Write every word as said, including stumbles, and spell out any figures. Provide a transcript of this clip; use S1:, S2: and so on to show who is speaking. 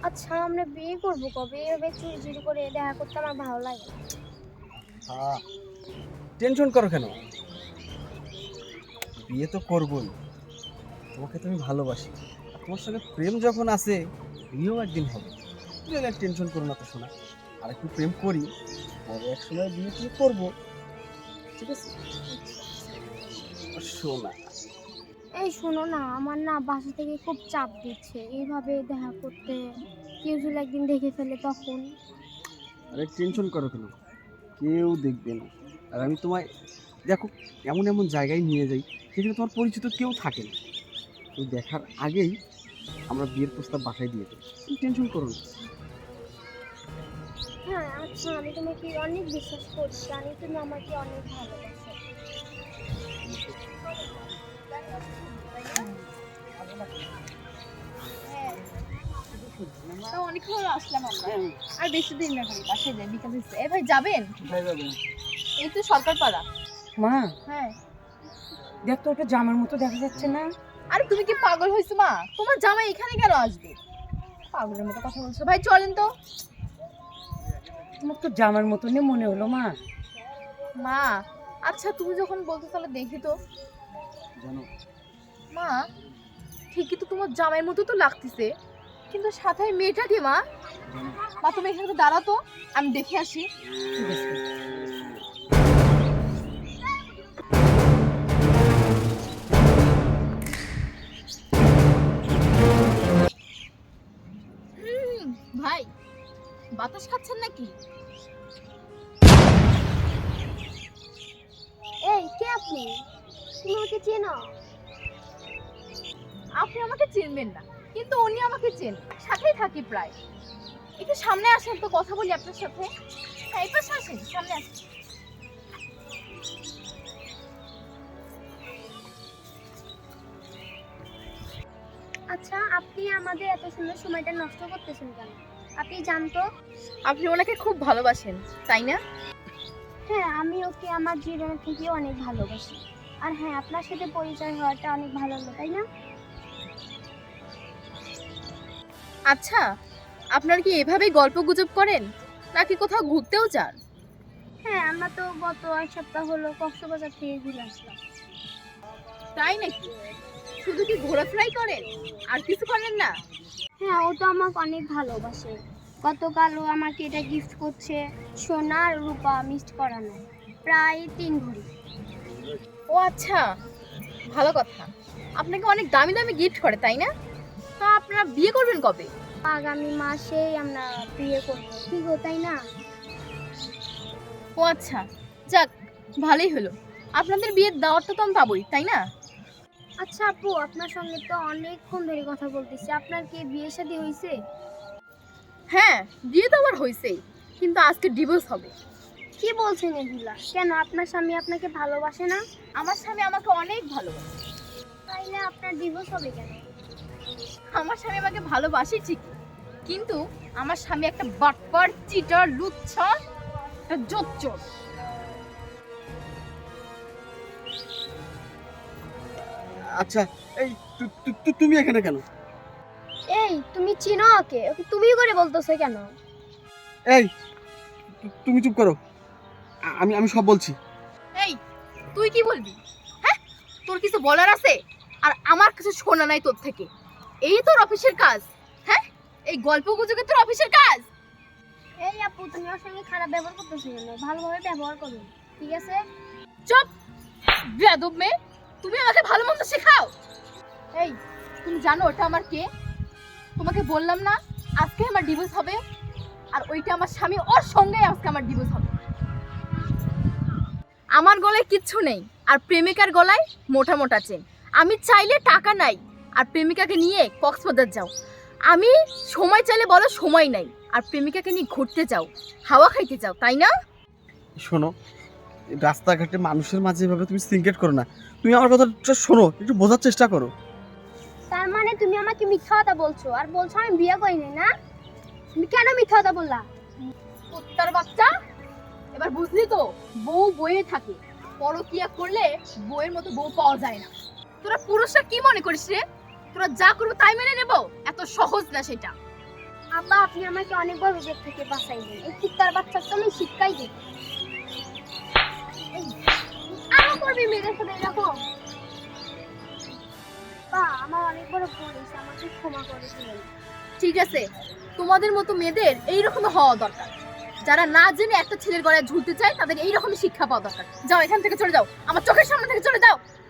S1: আচ্ছা আমরা বিয়ে করবো কবে? এভাবে চুরি চুরি করে দেখা করতে আমার ভালো লাগে না।
S2: হ্যাঁ, টেনশন করো কেন? বিয়ে তো করবোই। তোমাকে তো আমি ভালোবাসি। আর তোমার সঙ্গে প্রেম যখন আছে, বিয়েও একদিন হবে। তুমি আর টেনশন করো না তো শোনা। আর একটু প্রেম করি, পরে এক সময় বিয়ে টিয়ে করবো। ঠিক আছে? আর শোনা,
S1: এই শোনো না, আমার না বাসা থেকে খুব চাপ দিচ্ছে এইভাবে দেখা করতে। কেউ যদি একদিন দেখে ফেলে তখন?
S2: আরে টেনশন করো কেন? কেউ দেখবে না। আর আমি তোমায় দেখো এমন এমন জায়গায় নিয়ে যাই যেখানে তোমার পরিচিত কেউ থাকে না। তো দেখার আগেই আমরা বিয়ের প্রস্তাব বাসায় দিয়ে দেবো। তুমি টেনশন করো না।
S1: হ্যাঁ আচ্ছা, আমি তোমাকে অনেক বিশ্বাস করি, জানি তুমি আমাকে অনেক ভালোবাসো।
S3: তো অনেকক্ষণ হলো আসলাম আমরা। আর বেশি দিন না, খালি বাসায় যাই, বিকাল হচ্ছে। এ ভাই যাবেন?
S2: কোথায় যাবেন?
S3: এই তো সরকার পাড়া।
S4: মা,
S3: হ্যাঁ।
S4: দেখ তো ওটা জামার মতো দেখা যাচ্ছে না?
S3: আরে তুমি কি পাগল হয়েছো মা? তোমার জামাই এখানে কেন আসবে? পাগলের মতো কথা বলছো। ভাই চলেন তো।
S4: তোমার তো জামার মতনই মনে হলো মা।
S3: মা আচ্ছা তুমি যখন বলছো তাহলে দেখি তো।
S2: জানো,
S3: মা ঠিকই তো তোমার জামাইয়ের মতো তো লাগতেছে, কিন্তু সাথে ওই মেয়েটা কে মা? মা তুমি এখানে দাঁড়াতো, আমি দেখে আসি।
S4: ঠিক আছে।
S3: হুম, ভাই বাতাস খাচ্ছেন নাকি?
S1: এই কে আপনি? তুমি আমাকে চেনো?
S3: আপনি আমাকে চিনবেন না, কিন্তু উনি আমাকে চেন, সাথেই থাকি প্রায়। একটু সামনে আসেন তো, কথা বলি আপনার সাথে। হ্যাঁ এই পাশে আসেন, সামনে আসেন।
S1: আচ্ছা আপনি আমাদের এত সুন্দর সময়টা নষ্ট করতেছেন কেন? আপনি জানতো?
S3: আপনি ওনাকে খুব ভালোবাসেন তাই না?
S1: হ্যাঁ, আমি ওকে আমার জীবনের থেকে অনেক ভালোবাসি। আর হ্যাঁ, আপনার সাথে পরিচয় হওয়াটা অনেক ভালো হলো, তাই না?
S3: আচ্ছা আপনার কি এভাবেই গল্প গুজব করেন, নাকি কোথাও ঘুরতেও যান?
S1: হ্যাঁ, আমরা তো গত এক সপ্তাহ হলো কক্সবাজার থেকে ঘুরে আসলাম।
S3: তাই নাকি? শুধু কি ঘোরাফেরাই করেন, আর কিছু করেন না?
S1: হ্যাঁ, ও তো আমাকে অনেক ভালোবাসে। গতকাল ও আমাকে এটা গিফট করছে, সোনা আর রূপা মিক্সড করানো, প্রায় তিন ভরি।
S3: ও আচ্ছা, ভালো কথা। আপনাকে অনেক দামি দামি গিফট করে তাই না? তা আপনারা বিয়ে করবেন কবে?
S1: আগামী মাসেই আমরা বিয়ে করবো, কি গো তাই না?
S3: ও আচ্ছা, যাক ভালোই হলো। আপনাদের বিয়ের দাওয়াতটা তো আমি পাবোই তাই না?
S1: আচ্ছা আপু, আপনার সঙ্গে তো অনেকক্ষণ ধরে কথা বলতেছি, আপনার কি বিয়ে শাদী হয়েছে?
S3: হ্যাঁ বিয়ে তো আবার হয়েছেই, কিন্তু আজকে ডিভোর্স হবে।
S1: কি বলছেন এগুলা? কেন, আপনার স্বামী আপনাকে ভালোবাসে না?
S3: আমার স্বামী আমাকে অনেক ভালোবাসে।
S1: তাইলে আপনার ডিভোর্স হবে কেন?
S3: আমার স্বামী আমাকে ভালোবাসে ঠিকই, কিন্তু আমার স্বামী একটা বাটপার, চিটার, লুচ্ছা, একটা জোচ্চোর।
S2: আচ্ছা এই তু- তু- তু- তুমি এখানে কেন?
S1: এই তুমি চিনো ওকে? ওকে তুমি করে বলতেছো কেন?
S2: এই তু- তুমি চুপ করো। আ- আমি আমি সব বলছি।
S3: এই তুই কি বলবি? হ্যাঁ তোর কিছু বলার আছে? আর আমার কিছু শোনা নাই তোর থেকে। এই তোর অফিসের কাজ? হ্যাঁ এই গল্প গুজবে তোর অফিসের কাজ?
S1: এই আপু, তুমি ওর সঙ্গে খারাপ ব্যবহার করতেছো কেন? ভালোভাবে ব্যবহার করো, ঠিক আছে?
S3: চুপ বেয়াদব মেয়ে, তুমি আমাকে ভালো মন্দ শেখাও। এই তুমি জানো ওটা আমার কে? তোমাকে বললাম না আজকে আমার ডিভোর্স হবে, আর ওইটা আমার স্বামী, ওর সঙ্গে আজকে আমার ডিভোর্স হবে। আমার গলায় কিচ্ছু নেই, আর প্রেমিকার গলায় মোটা মোটা চেন। আমি চাইলে টাকা নাই, আর প্রেমিকাকে নিয়ে কক্সবাজার যাও। আমি সময় চাইলে বলো সময় নাই, আর প্রেমিকাকে নিয়ে ঘুরতে যাও, হাওয়া খাইতে যাও, তাই না?
S2: শোনো, রাস্তাঘাটে মানুষের মাঝে এভাবে তুমি সিনক্রেট করো না। তুমি আমার কথাটা শোনো, একটু বোঝার চেষ্টা করো।
S1: তার মানে তুমি আমাকে মিথ্যা কথা বলছো, আর বলছো আমি বিয়ে করিনি, না? তুমি কেন মিথ্যা কথা বললা?
S3: কুত্তার বাচ্চা, এবার বুঝলি তো? বউ বইয়ে থাকে, পরকিয়া করলে বউয়ের মতো বউ পাওয়া যায় না। তোরা পুরুষরা কি মনে করিস রে? তোরা যা করবো তাই মেনে নেব? এত সহজ না সেটা।
S1: আব্বা আপনি আমাকে অনেক বড় বিপদ থেকে বাঁচাইলেন। এই কুত্তার বাচ্চার তো আমি শিক্ষাই দিই। আরো করবি মেয়েদের সাথে এরকম? বা আমার অনেক বড় ভুল হয়েছে, আমাকে ক্ষমা করে দিলেন।
S3: ঠিক আছে, তোমাদের মতো মেয়েদের এইরকম হওয়া দরকার। যারা না জেনে একটা ছেলের গলায় ঝুলতে চায় তাদের এইরকমই শিক্ষা পাওয়া দরকার। যাও এখান থেকে চলে যাও, আমার চোখের সামনে থেকে চলে যাও।